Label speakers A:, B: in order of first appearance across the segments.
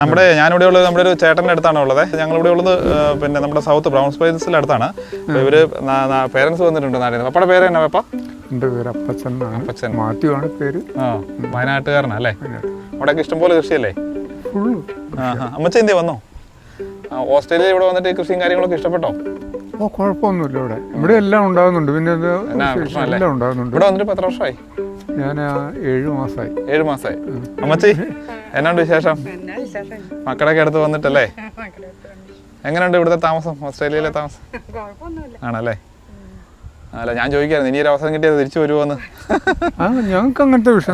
A: ഞാനിവിടെ ഉള്ളത് നമ്മുടെ ഒരു ചേട്ടൻ്റെ അടുത്താണ് ഉള്ളത്. ഞങ്ങളിവിടെ ഉള്ളത് പിന്നെ നമ്മുടെ സൗത്ത് ബ്രൗൺ സ്പൈസിൻ്റെ അടുത്താണ്. ഇവര് പേരൻസ് വന്നിട്ടുണ്ട് നാട്ടിൽ. പപ്പയുടെ പേര് എന്നാ പപ്പ?
B: എൻ്റെ പേര് അപ്പച്ചൻ. അപ്പച്ചൻ മാത്യു ആണ് പേര്.
A: വയനാട്ടുകാരനല്ലേ? അവിടെയൊക്കെ ഇഷ്ടംപോലെ കൃഷിയല്ലേ? അമ്മച്ച എന്തിയാ വന്നോ? ഓസ്ട്രേലിയ ഇവിടെ വന്നിട്ട് കൃഷിയും കാര്യങ്ങളൊക്കെ ഇഷ്ടപ്പെട്ടോ?
B: ഓ, കുഴപ്പമൊന്നുമില്ല. ഇവിടെ എല്ലാം ഉണ്ടാകുന്നുണ്ട്. പിന്നെ എല്ലാം ഉണ്ടാകുന്നുണ്ട്.
A: ഇവിടെ വന്നിട്ട് എത്ര വർഷമായി?
B: ഞാൻ 7 മാസമായി.
A: 7 മാസമായി. അമ്മച്ചി എന്നാണ്ട് വിശേഷം? മക്കളൊക്കെ അടുത്ത് വന്നിട്ടല്ലേ? എങ്ങനെയുണ്ട് ഇവിടുത്തെ താമസം, ഓസ്ട്രേലിയയിലെ താമസം? ആണല്ലേ? അല്ല, ഞാൻ ചോദിക്കായിരുന്നു ഇനി ഒരു അവസരം കിട്ടിയത് തിരിച്ചു വരുമോന്ന്.
B: ഞങ്ങൾക്ക് അങ്ങനത്തെ വിഷയം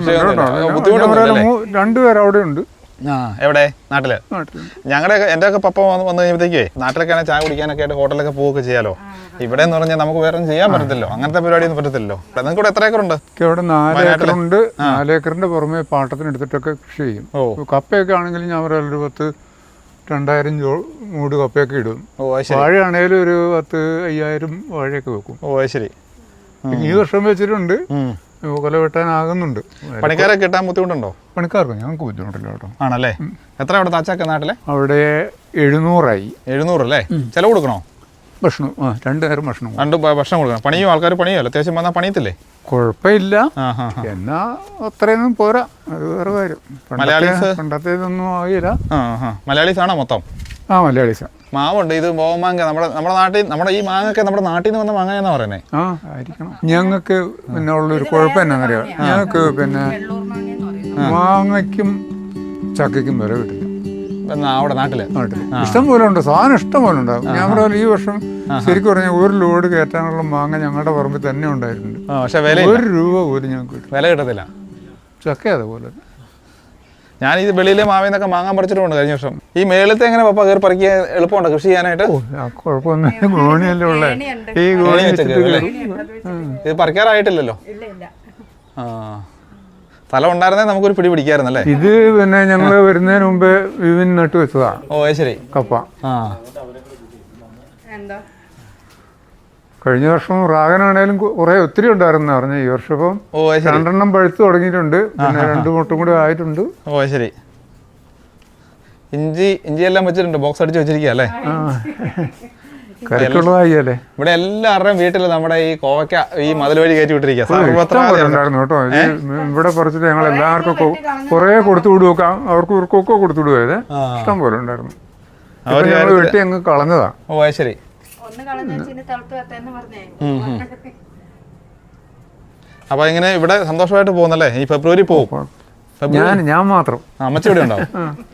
B: രണ്ടുപേർ അവിടെ ഉണ്ട്.
A: എവിടെ? നാട്ടില്? എൻ്റെ ഒക്കെ പപ്പ വന്നു കഴിയുമ്പോഴത്തേക്കേ നാട്ടിലൊക്കെ ചായ കുടിക്കാനൊക്കെ ആയിട്ട് ഹോട്ടലൊക്കെ പോവുകയൊക്കെ ചെയ്യാലോ. ഇവിടെ എന്ന് പറഞ്ഞാൽ നമുക്ക് വേറെ ഒന്നും ചെയ്യാൻ പറ്റത്തില്ലോ, അങ്ങനത്തെ പരിപാടിയൊന്നും പറ്റത്തില്ലോ. നിങ്ങൾക്ക് ഇവിടെ എത്ര ഏക്കറുണ്ട്?
B: ഇവിടെ 4 ഏക്കറുണ്ട്. 4 ഏക്കറിന്റെ പുറമെ പാട്ടത്തിന് എടുത്തിട്ടൊക്കെ കൃഷി ചെയ്യും. കപ്പയൊക്കെ ആണെങ്കിൽ ഞാൻ ഒരു 2000 മൂട് കപ്പയൊക്കെ ഇടും. വാഴയാണേലും ഒരു 10,000 വാഴയൊക്കെ വെക്കും.
A: ഓ ശരി.
B: ഈ വർഷം വെച്ചിട്ടുണ്ട്. കൊല വെട്ടാനാകുന്നുണ്ട്.
A: പണിക്കാരെ കിട്ടാൻ ബുദ്ധിമുട്ടുണ്ടോ?
B: പണിക്കാർക്ക് ഞങ്ങൾക്ക് ബുദ്ധിമുട്ടില്ല കേട്ടോ.
A: ആണല്ലേ? എത്ര അവിടെ താച്ചാക്ക നാട്ടിലെ?
B: അവിടെ 700
A: 700 അല്ലേ? ചെലവ് കൊടുക്കണോ?
B: ഭക്ഷണം 2 നേരം ഭക്ഷണം.
A: 2 ഭക്ഷണം കൊടുക്കണം. പണിയും ആൾക്കാർ പണിയല്ലോ, അത്യാവശ്യം വന്നാൽ പണിയത്തില്ലേ?
B: കുഴപ്പമില്ല. എന്നാ അത്രയൊന്നും പോരാ, അത് വേറെ കാര്യം. പണ്ടത്തേതൊന്നും ആകില്ല.
A: മലയാളീസ് ആണോ മൊത്തം?
B: മലയാളീസാ.
A: മാവുണ്ട്. ഇത് ബോമാങ്ക നമ്മുടെ നാട്ടിൽ, നമ്മുടെ ഈ മാങ്ങൊക്കെ നമ്മുടെ നാട്ടിൽ നിന്ന് വന്ന മാങ്ങ എന്നാ പറയുന്നത്.
B: ആയിരിക്കണം. ഞങ്ങൾക്ക് പിന്നെ ഉള്ളൊരു കുഴപ്പം എന്നാന്നറിയാം, ഞങ്ങൾക്ക് പിന്നെ മാങ്ങയ്ക്കും ചക്കയ്ക്കും വില കിട്ടില്ല
A: അവിടെ നാട്ടില്.
B: ഇഷ്ടം പോലെ ഉണ്ട്, സാധനം ഇഷ്ടം പോലെ ഉണ്ടാകും. ഞാൻ പറയാം, ഈ വർഷം ശരിക്കും പറഞ്ഞാൽ 1 ലോഡ് കയറ്റാനുള്ള മാങ്ങ ഞങ്ങളുടെ പറമ്പിൽ തന്നെ ഉണ്ടായിട്ടുണ്ട്.
A: പക്ഷെ
B: ₹1 പോലും ഞങ്ങൾക്ക്
A: വില കിട്ടത്തില്ല.
B: ചക്ക അതുപോലെ.
A: ഞാൻ ഈ വെളിയിലെ മാവിൽ നിന്നൊക്കെ മാങ്ങാൻ പറിച്ചിട്ടുണ്ട് കഴിഞ്ഞ വർഷം. ഈ മേളത്തെ എങ്ങനെ പപ്പ കയറി പറിക്കാൻ എളുപ്പമുണ്ടോ കൃഷി ചെയ്യാനായിട്ട്?
B: കുഴപ്പമൊന്നും, ഗോണിയല്ലേ ഉള്ളേ. ഈ ഗോണി
A: ഇത് പറിക്കാറായിട്ടില്ലല്ലോ. സ്ഥലം ഉണ്ടായിരുന്നേ നമുക്കൊരു പിടി പിടിക്കായിരുന്നല്ലേ?
B: ഇത് പിന്നെ ഞങ്ങള് വരുന്നതിന് മുമ്പേ വിവിൻ നട്ടു വെച്ചതാ.
A: ഓ ശരി.
B: കപ്പ. കഴിഞ്ഞ വർഷം റാഗനാണേലും ഒത്തിരി ഉണ്ടായിരുന്നു പറഞ്ഞ. ഈ വർഷം ഇപ്പം 2 പഴുത്ത് തുടങ്ങിയിട്ടുണ്ട്. പിന്നെ 2 മുട്ടും കൂടി ആയിട്ടുണ്ട്.
A: ഓ ശരി. ഇഞ്ചി എല്ലാം വെച്ചിട്ടുണ്ട്, ബോക്സ് അടിച്ച് വെച്ചിരിക്കുക അല്ലേ?
B: കറിക്കുള്ളതായില്ലേ?
A: ഇവിടെ എല്ലാവരുടെയും വീട്ടിൽ നമ്മുടെ ഈ കോവയ്ക്ക ഈ മതിൽ വഴി കയറ്റി വിട്ടിരിക്കുക
B: ഉണ്ടായിരുന്നു കേട്ടോ. ഇവിടെ പറിച്ചിട്ട് ഞങ്ങൾ എല്ലാവർക്കും കുറെ കൊടുത്തു വിടുക, അവർക്ക് ഇവർക്കൊക്കെ കൊടുത്തു വിടുക. ഇഷ്ടം പോലെ ഉണ്ടായിരുന്നു. ഞങ്ങൾ വെട്ടി അങ്ങ് കളഞ്ഞതാ.
A: ഓ ശരി. അപ്പൊ ഇങ്ങനെ ഇവിടെ സന്തോഷമായിട്ട് പോകുന്നല്ലേ? ഈ ഫെബ്രുവരി പോകും.
B: ഞാൻ മാത്രം.
A: അമ്മച്ചി ഇവിടെ ഉണ്ടാവും.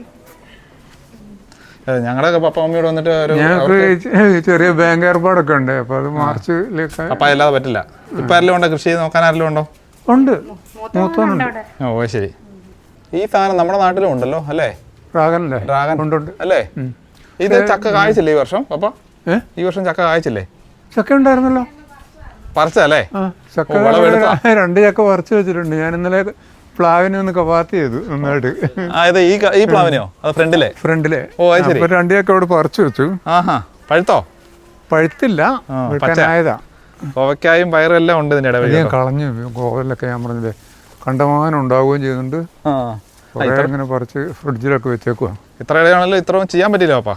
A: ഞങ്ങളുടെ പപ്പ മമ്മിയോട് വന്നിട്ട്
B: ഞങ്ങൾക്ക് ചെറിയ ബാങ്ക് ഏർപ്പാടൊക്കെ ഉണ്ട്. അപ്പൊ അത് മാർച്ചിലേക്ക്
A: അപ്പൊ അല്ലാതെ പറ്റില്ല. ഇപ്പൊ ആരെല്ലാം ഉണ്ടോ? കൃഷി നോക്കാൻ ആരെല്ലാം ഉണ്ടോ?
B: ഉണ്ട്, മൂത്തോനുണ്ട്.
A: ഓ ശരി. ഈ സാധനം നമ്മുടെ നാട്ടിലും ഉണ്ടല്ലോ അല്ലേ?
B: ഡ്രാഗനല്ലേ? ഡ്രാഗൻ ഉണ്ട്
A: അല്ലേ? ഇത് ചക്ക കായ്ച്ചില്ലേ ഈ വർഷം പപ്പ? ഈ വർഷം ചക്ക കായ്ച്ചില്ലേ?
B: ചക്ക ഉണ്ടായിരുന്നല്ലോ.
A: പറിച്ചല്ലേ?
B: ചക്ക 2 ചക്ക പറിച്ചു വെച്ചിട്ടുണ്ട്. ഞാൻ ഇന്നലെ പ്ലാവിനെ ഒന്ന് കവാത്ത് ചെയ്തു നന്നായിട്ട്.
A: ഈ പ്ലാവിനെയോ? ഫ്രണ്ടിലെ? ഓ ശരി.
B: 2 ചക്ക അവിടെ പറിച്ചു വെച്ചു.
A: പഴുത്തോ?
B: പഴുത്തില്ല, വെട്ടാനായതാ.
A: കോവയ്ക്കായും പയറും എല്ലാം ഉണ്ട് ഇതിന്റെ ഇടയിൽ.
B: ഞാൻ കളഞ്ഞു. കോവലൊക്കെ ഞാൻ പറഞ്ഞത് കണ്ടമാനം ഉണ്ടാവുകയും ചെയ്യുന്നുണ്ട്. ഇങ്ങനെ പറിച്ച് ഫ്രിഡ്ജിലൊക്കെ വെച്ചേക്കുക.
A: ഇത്ര ഇടയാണല്ലോ, ഇത്രയും ചെയ്യാൻ പറ്റില്ല പപ്പാ.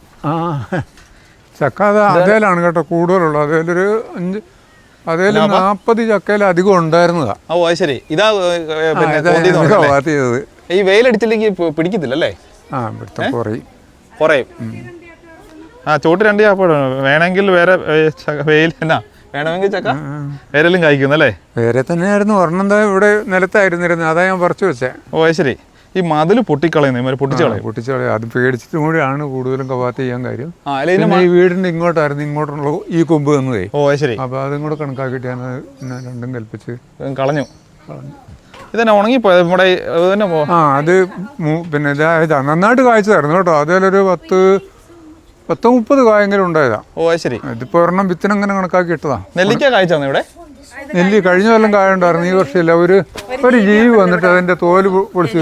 B: ചക്ക അതേലാണ് കേട്ടോ കൂടുതലുള്ളൂ. അതേല് 40 ചക്കയിലധികം ഉണ്ടായിരുന്നതാ.
A: ഓ ശരി. ഇതാ
B: ചെയ്തത്.
A: ഈ വെയിലടിച്ചില്ലെങ്കിൽ പിടിക്കത്തില്ലല്ലേ? കുറയും. ചോട്ട് 2 ചക്ക വേണമെങ്കിൽ വേറെ വെയിൽ എന്നാ വേണമെങ്കിൽ ചക്ക വേരെല്ലാം കായ്ക്കുന്നല്ലേ?
B: വേറെ തന്നെയായിരുന്നു. ഒരെണ്ണം ഇവിടെ നിലത്തായിരുന്നിരുന്നു, അതാ ഞാൻ പറിച്ചു വെച്ചേ.
A: ഓ ശരി. ഈ മതിൽ പൊട്ടിക്കളയുന്നു,
B: പൊട്ടിച്ചളയും. അത് പേടിച്ചിട്ടും കൂടിയാണ് കൂടുതലും കവാത്ത് ചെയ്യാൻ കാര്യം. ഈ വീടിന്റെ ഇങ്ങോട്ടായിരുന്നു, ഇങ്ങോട്ടുള്ള ഈ കൊമ്പ് തന്നതേ.
A: ഓ ശരി.
B: അപ്പൊ അതും കൂടെ കണക്കാക്കിയിട്ട് ഞാൻ രണ്ടും കൽപ്പിച്ച്
A: കളഞ്ഞു. ഇതന്നെ ഉണങ്ങിപ്പോയത് നമ്മുടെ.
B: അത് പിന്നെ ഇതാ നന്നായിട്ട് കായ്ച്ചതായിരുന്നു കേട്ടോ. അതിലൊരു 10-30 കായെങ്കിലും ഉണ്ടായതാ.
A: ഓ ശരി.
B: ഇതിപ്പോ ഒരെണ്ണം വിത്തിനങ്ങനെ കണക്കാക്കി ഇട്ടതാ.
A: നെല്ലിക്ക കായ്ച്ചാണ് ഇവിടെ?
B: നെല്ലി കഴിഞ്ഞ കൊല്ലം കായ ഉണ്ടായിരുന്നു, ഈ വർഷമില്ല. ഒരു ജീവി വന്നിട്ട് അതിന്റെ തോല് പൊളിച്ചു.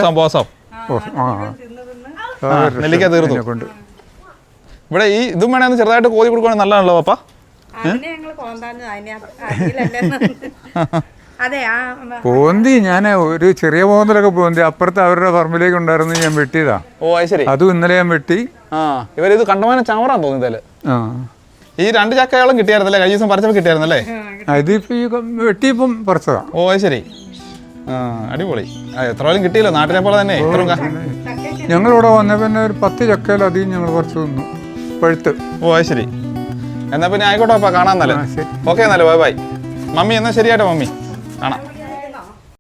A: നെല്ലിക്ക തീർന്നു. ഇവിടെ ഈ ഇതും വേണമെന്ന് ചെറുതായിട്ട് കോതി കൊടുക്കുകയാണെങ്കിൽ നല്ലതാണല്ലോ പപ്പ.
B: പോന്തി ഞാൻ ഒരു ചെറിയ പോന്തലൊക്കെ പോന്തി അപ്പുറത്ത് അവരുടെ പറമ്പിലേക്ക് ഉണ്ടായിരുന്നു, ഞാൻ വെട്ടിയതാ.
A: ഓ അത് ശരി.
B: അതും ഇന്നലെ ഞാൻ വെട്ടി.
A: ഇവരിത് കണ്ടമാനം ചവറാൻ തോന്നിയതല്ലേ. ഈ 2 ചക്കയോളം കിട്ടിയായിരുന്നല്ലേ, കഴിഞ്ഞ ദിവസം പറിച്ചപ്പോൾ കിട്ടിയായിരുന്നല്ലേ?
B: ഇതിപ്പോ ഈ വെട്ടിയപ്പം പറിച്ചതാ.
A: ഓ അത് ശരി. അടിപൊളി. എത്രയും കിട്ടിയല്ലോ, നാട്ടിലെ പോലെ തന്നെ.
B: ഞങ്ങളിവിടെ വന്ന പിന്നെ ഒരു 10 ചക്കയിലധികം ഞങ്ങൾ കുറച്ച് തിന്നു പഴുത്ത്.
A: ഓ അത് ശരി. എന്നാ പിന്നെ ആയിക്കോട്ടെ, അപ്പൊ കാണാൻ. ഓക്കെ എന്നാലേ, ബൈ ബൈ. മമ്മി എന്നാ ശരിയാട്ടോ മമ്മി, കാണാം.